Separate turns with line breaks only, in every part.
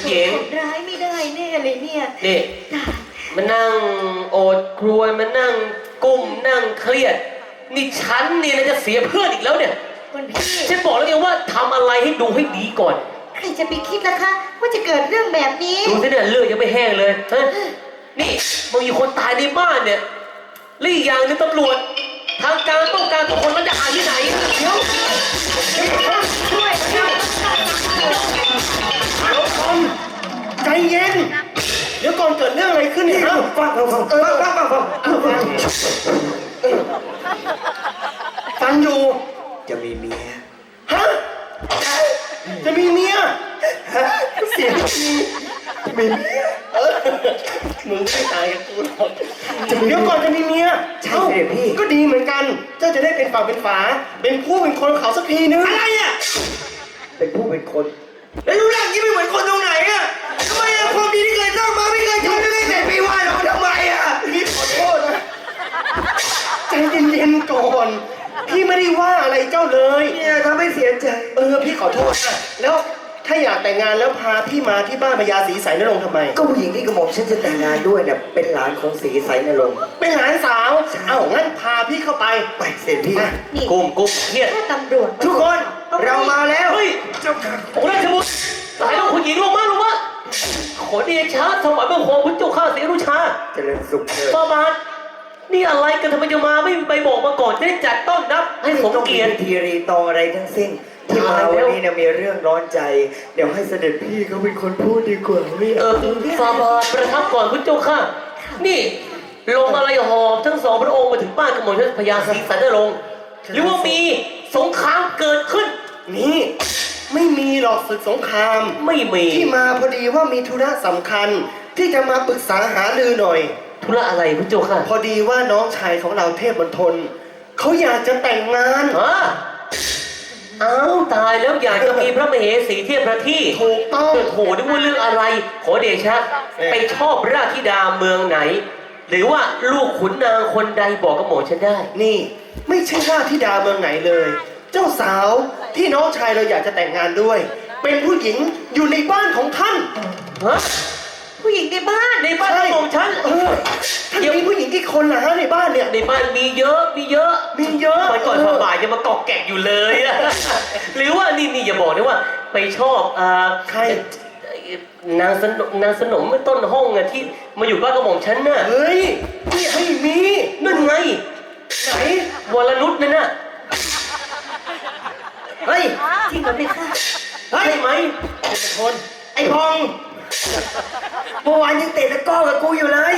หญิง
ร้ายไม่ได้แน่เลยเนี่ย
นี่มานั่งโอดครวญมานั่งกุ้มนั่งเครียดนี่ฉันเนี่ยนะจะเสียเพื่อนอีกแล้วเนี่ย
คุณพี่
ฉันบอกแล้วไงว่าทำอะไรให้ดูให้ดีก่อน
ใครจะไปคิดล่ะคะว่าจะเกิดเรื่องแบบนี้
ดูสิเนี่ยเลือดยังไม่แห้งเลยฮะนี่มันมีคนตายในบ้านเนี่ยและอีกอย่างนึงตำรวจทางการต้องการตัวคนมันจะหาที่ไหนเดี๋ยว
ช่วยช่วย
ใจเย็นเดี๋ยวก่อนเกิดเรื่องอะไรขึ้นเนี่ยฟังฟังอยู่
จะมีเมีย
ฮะจะมีเมียเสียงมีเมียมึงไม่ตายกับกูหรอกเดี๋ยวก่อนจะมีเมีย
ใช่เสด็จพี่
ก็ดีเหมือนกันเจ้าจะได้เป็นฝั่งเป็นฝาเป็นผู้เป็นคนเขาสักทีนึงอะไรอ่ะ
เป็นผู้เป็นคน
แล้วรู้เรื่องนี้ไม่เหมือนคนตรงไหนอ่ะทำไมอ่ะความดีที่เคยสร้างมาไม่เคยทำไม่เคยเสร็จพี่ว่าเราทำไมอ่ะพี่ขอโทษนะใจเย็นๆก่อนพี่ไม่ได้ว่าอะไรเจ้าเลย
เนี่ยทำให้เสียใจ
พี่ขอโทษนะแล้วถ้าอยากแต่งงานแล้วพาพี่มาที่บ้านพญาศรีไสนรงค์ทำไม
ก็ผู้หญิงที่กระหม่อมฉันจะแต่งงานด้วยเนี่ยเป็นหลานของศรีไสนรงค์
เป็นหลานสาวเอ้างั้นพาพี่เข้าไป
ไปเสร็จพี่
กุ้มเครียด
ถ้าตำรวจ
ทุกคนเรามาแล้ว
เฮ้ย
เจ้าค่ะ
องค์ราชบุตรสายลูกคุณหญิงลงมาขอเดชะถวายบังคมพระเจ้าข้าศรีอนุชา
เจริญสุขเถิด
ประมาณนี่อะไรกันทำไมจะมาไม่ไปบอกมาก่อนจะได้จัดต้อนรับให้สมเกียรติ
ทีรีตองอะไรทั้งสิ้นที่มาวันนี้เนี่ยมีเรื่องร้อนใจเดี๋ยวให้เสด็จพี่เขาเป็นคนพูดดีกว่า
ฟาบาประทับก่อนพระเจ้าข้านี่ลงอะไรหอบทั้งสองพระองค์มาถึงบ้านกระหม่อมชันพญาศรีสันนรงค์หรือว่ามีสงครามเกิดขึ้น
นี่ไม่มีหรอกศึกสงคราม
ไม่มี
ที่มาพอดีว่ามีธุระสำคัญที่จะมาปรึกษาหารือหน่อย
ธุระอะไรพระเจ้าค่ะ
พอดีว่าน้องชายของเราเทพมณฑลเขาอยากจะแต่งงาน
อ้าวตายแล้วอยากจะมีพระมเหสีเทียบพระที่
ถูกต้อง
โหนึกว่าเรื่องอะไรขอเดชะไปชอบราชธิดาเมืองไหนหรือว่าลูกขุนนางคนใดบอกกับหมอฉันได้
นี่ไม่ใช่ราชธิดาเมืองไหนเลยเจ้าสาวที่น้องชายเราอยากจะแต่งงานด้วยเป็นผู้หญิงอยู่ในบ้านของท่าน
ผู้หญิงในบ้าน
ของฉัน
ท่านมีผู้หญิงกี่คนล่ะฮะในบ้านเนี่ย
ในบ้านมีเยอะวันก่อนบ่ายยังมากอกแกะอยู่เลยหรือว่านี่อย่าบอกนะว่าไปชอบ
ใคร
นางสนมต้นห้องอะที่มาอยู่บ้านกระหม่อมฉันน่ะ
เฮ้ยนี่ให้มี
นั่นไง
ไหน
วรนุชนั่นน่ะ
เฮ้ย
จริงเหรอพี่ค่ะ
ใช่ไหม
เป็นคนไอ้พองเมื่อวานยังเตะตะก้อกับกูอยู่เลย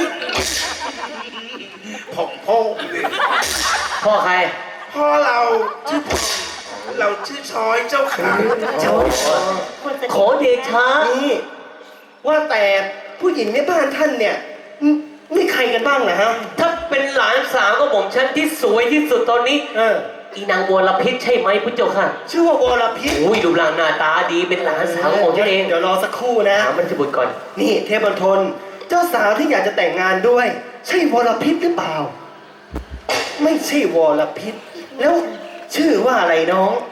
พ่อใคร
พ่อเราชื่อเราชื่อชอยเจ้าขา
ชอยขอเดชะ
นี่ว่าแต่ผู้หญิงในบ้านท่านเนี่ยมีใครกันบ้างนะฮะ
ถ้าเป็นหลานสาวก็ผมฉันที่สวยที่สุดตอนนี้อีนางวรพิษใช่ไหมพุทธเจ้าค่ะ
ชื่อว่าวรพิษ
อุ้ยดูหน้าตาดีเป็นหลานสาวของฉันเอง
เดี๋ยวรอสักครู่นะ
ถามมันจะบุตรก่อน
นี่เทพมณฑลเจ้าสาวที่อยากจะแต่งงานด้วยใช่วรพิษหรือเปล่าไม่ใช่วรพิษแล้วชื่อว่าอะไรน้อง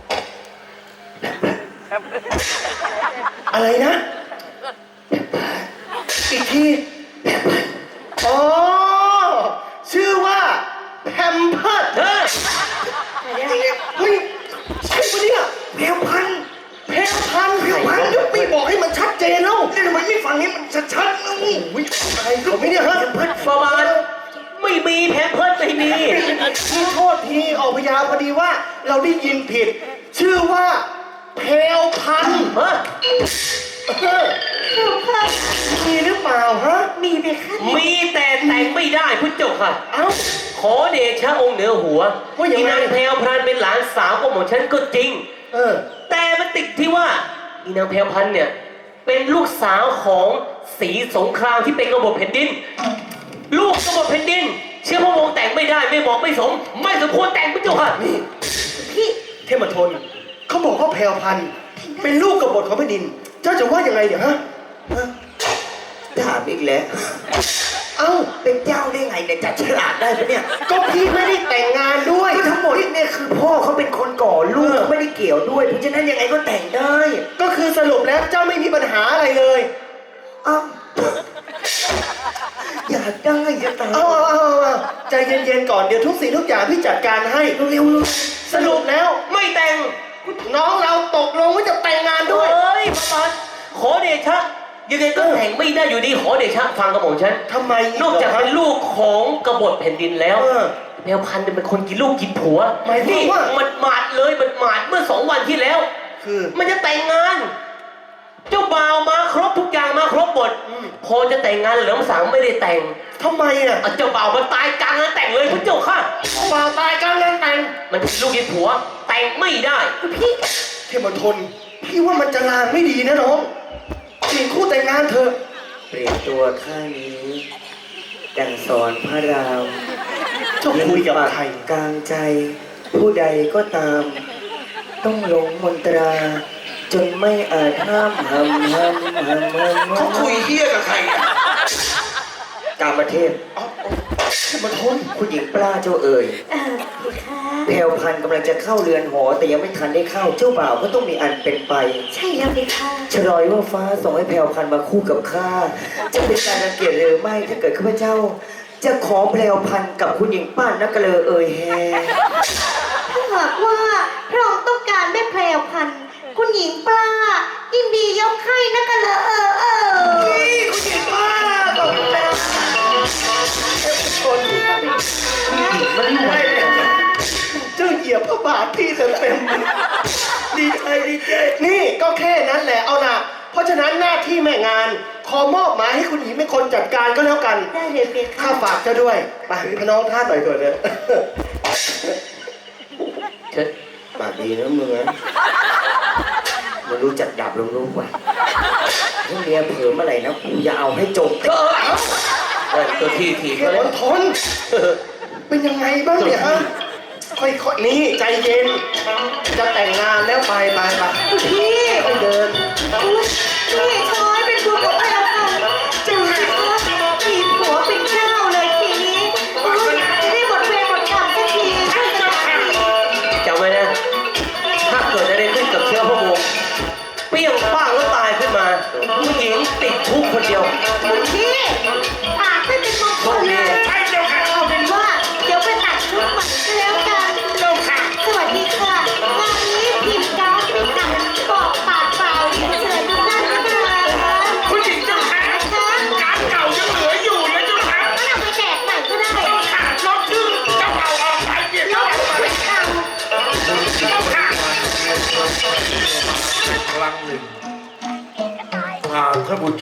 อะไรนะอีกทีอ๋อชื่อว่าแพมเพิร์ดเฮ้ยใช่ปะเนี่ยแพมพันยกไม่บอกให้มันชัดเจนแล้วทำไมไม่ฟังให้มันชัดๆแล้วอะไรเขาไม่เนี่ยฮะ
แพมเพิร์ดประมาณไม่มีแพมเพิร์ดไม่มี
โทษทีออกพยาพอดีว่าเราได้ยินผิดชื่อว่าแพลพันมีหรือเปล่าฮะ
มีไหมคะ
มีแต่แต่งไม่ได้พุทธเจ้าค่ะขอเดชะองค์เหนือหัวอีนางแพลพันเป็นหลานสาวของหม่อมฉันก็จริงแต่มันติดที่ว่าอีนางแพลพันเนี่ยเป็นลูกสาวของศรีสงครามที่เป็นกบฏแผ่นดินลูกกบฏแผ่นดินเชื่อพระองค์แต่งไม่ได้ไม่เหมาะไม่สมควรแต่งพุทธเจ้าค่ะ
นี่พี่เทพมณฑลเขาบอกว่าแพลพันเป็นลูกกบฏของแผ่นดินเจ้าจะว่ายังไงเนี่ยฮะ
ถามอีกแล้ว
เอ้า
เป็นเจ้าได้ไงเนี่ยจัดฉลาดได้ปะเนี่ย
ก็พี่ไม่ได้แต่งงานด้วย
ก็ทั้งหมดเนี่ยคือพ่อเขาเป็นคนก่อลูกเขาไม่ได้เกี่ยวด้วยเพราะฉะนั้นยังไงก็แต่งได้
ก็คือสรุปแล้วเจ้าไม่มีปัญหาอะไรเลย
อ้าวอยากได้จะตาย
เอาใจเย็นๆก่อนเดี๋ยวทุกสิ่งทุกอย่างพี่จัดการให้เร็วๆสรุปแล้ว
ไม่แต่ง
น้องเราตกลงว่าจะแต่งงานด้วย
เฮ้ยพระบาทขอเดชะยังไงก็แต่งไม่ได้อยู่ดีขอเดชะฟังกระหม่อมฉัน
ทำไม
นอกจากเป็นลูกของกบฏแผ่นดินแล้ว
เออ
แมวพันธุ์เนี่ยเป็นคนกินลูกกินผัว
หมายความว่า
มันหมาดเลยมันหมาดเมื่อ2 วันที่แล้ว
คือ
มันจะแต่งงาน เจ้าบ่าวมาครบทุกอย่างมาครบหมดพอจะแต่งงานเหลิมสังไม่ได้แต่ง
ทำไมอ่ะ
เจ้าบ่าวมันตายกลางงานแต่งเลยพระเจ้าค่ะ
บ่าวตายกลางงานแต่ง
มันกินลูกกินผัว แต่งไม่ได้
พี่เทพมณฑลพี่ว่ามันจะลางไม่ดีนะน้องเปลี่ยนคู่แต่งงานเถอะ
เปลี่ยนตัวข้างนี้ดังสอนพระราม
เจ้าคุยกับใคร
กลางใจ ผู้ใดก็ตาม ต้องหลงมนตรา จนไม่อาจห้าม
เขาคุยเฮี้ยกับใครอ่ะ
กามเทพ
เทพมณฑล
ผู้หญิงปลาเจ้าเอ่ย
เพคะ
แพรวพันธุ์กำลังจะเข้าเรือนหอ แต่ยังไม่ทันได้เข้าเจ้าบ่าวก็ต้องมีอันเป็นไป
ใช่แล้วเพคะ
ฉลอยว่าฟ้าส่งให้แพรวพันธุ์มาคู่กับข้าจะเป็นการรังเกียจหรือไม่ถ้าเกิดข้าพเจ้า จะขอแพรวพันธุ์กับคุณหญิงป้านนักกะเลอเอ่ยแฮ
ถ้าหากว่าพระองค์ต้องการแม่แพรวพันธุ์คุณหญิงปลายินดียกให้นะกันเลย
นี่คุณหญิงป้าตกแล้วเทพมณฑลมันไม่เลยเจ้าเหยียบพระบาทพี่เต็มๆดีใจดีใจนี่ก็แค่นั้นแหละเอานะเพราะฉะนั้นหน้าที่แม่งานขอมอบหมายให้คุณหญิงเป็นคนจัดการก็แล้วกัน
ได้เลยเพ
ข้า
คะ
ฝากเจ้าด้วยไปพน้องท่าต่อยก่อนเลย
เชิญ
ปากดีนะมึงนะมึงรู้จักดับลงรู้ป่ะถ้าเมียเผลอเมื่อไหร่นะกูจะเอาให้จบ
ก็ตัวที่ถีบ
เท
ก็
พ
เลย
มณฑลเป็นยังไงบ้างเนี่ยฮะค่อยๆนี่ใจเย็น จะแต่งงานแล้วไป
พี่
ไปเดิน
พี่ช้อยเป็นบุญของแพรวพันธุ์จะมีผัวเป็นเจ้าเลยทีนี้จะได้หมดเวรหมดกรรมสักทีช่วยกันสักที
จำไว้นะ ถ้าเกิดอะไรขึ้นกับเชื้อพระวงศ์เปรี้ยงป้างแล้วตายขึ้นมาผู้หญิงติดคุกคนเดียว
คุณพี่ปากไม่เป็นมงคลเลยเอาเป็นว่าเดี๋ยวไปตัดชุดใหม่ก็แล้วกันสวัสดีค่ะงานนี้ทีมการ์ดไม่ตัดบอกปากเปล่าเดี๋ยวเชิญทุกท่านนะคะ
คุณหญิงเจ้าค่ะ
คะ
การเก่ายังเหลืออยู่นะเจ้าค่ะ
ก็นำไปแจกใหม่ก็ได้
เจ้าค่ะลบชื่อเจ้าเก่าออกไปเปลี่ยน
แล้
เจ้าว เก่า
คุ
ไป
ณเอา
เจ้าค่ะ
ครั้งหนึ่งพาท่านผู้